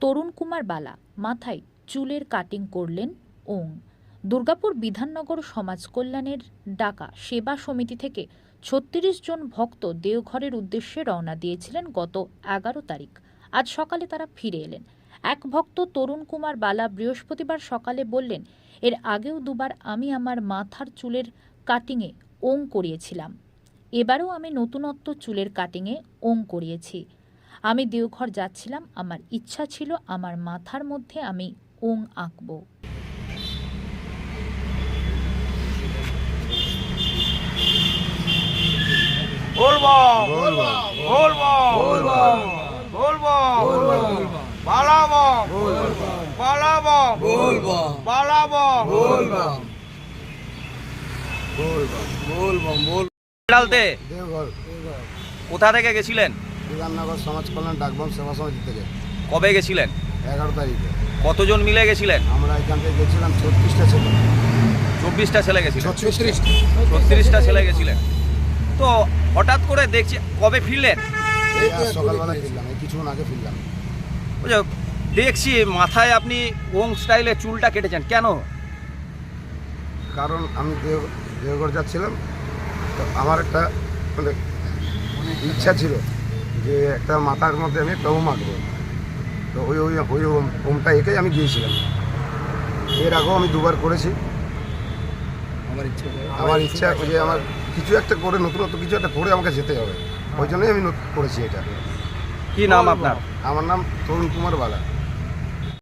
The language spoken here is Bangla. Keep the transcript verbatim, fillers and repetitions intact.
তরুণ কুমার বালা মাথায় চুলের কাটিং করলেন ওং। দুর্গাপুর বিধাননগর সমাজ কল্যাণের ডাকা সেবা সমিতি থেকে ছত্রিশ জন ভক্ত দেওঘরের উদ্দেশ্যে রওনা দিয়েছিলেন গত এগারো তারিখ। আজ সকালে তারা ফিরে এলেন। এক ভক্ত তরুণ কুমার বালা বৃহস্পতিবার সকালে বললেন, এর আগেও দুবার আমি আমার মাথার চুলের কাটিংয়ে ওং করিয়েছিলাম, এবারেও আমি নতুনত্ব চুলের কাটিংয়ে ওং করিয়েছি। আমি দেওঘর যাচ্ছিলাম, আমার ইচ্ছা ছিল আমার মাথার মধ্যে আমি ওং আঁকব। বলবো বলবো বলবো পালাবো পালাবো পালাবো ডালতে দেওঘর কোথা থেকে গেছিলেন? বিধাননগর সমাজ কল্যাণ ডাকবাম সেবা সমিতি থেকে কবে গেছিলেন? এগারো তারিখে কতজন মিলে গেছিলেন? আমরা এখান থেকে গেছিলাম ছত্রিশটা ছেলে চব্বিশটা ছেলে গেছিলেন, ছত্রিশটা ছত্রিশটা ছেলে গেছিলেন। তো হঠাৎ করে দেখছি কবে ফিরলেন? এই আজ সকালবেলা ফিরলাম, এই কিছুক্ষণ আগে ফিরলাম। বুঝলো, দেখছি মাথায় আপনি ওং স্টাইলে চুলটা কেটেছেন কেন? কারণ আমি দেও দেওঘর যাচ্ছিলাম, তো আমার একটা মানে ইচ্ছা ছিল যে একটা মাথার মধ্যে আমি একটা ওম আঁকবো। তো ওই ওই ওই ওম ওমটা এঁকেই আমি গিয়েছিলাম। এর আগেও আমি দুবার করেছি। আমার ইচ্ছা আমার ইচ্ছা যে আমার কিছু একটা করে নতুনত্ব কিছু একটা করে আমাকে যেতে হবে, ওই জন্যই আমি করেছি এটা। কি নাম আপনার? আমার নাম তরুণ কুমার বালা।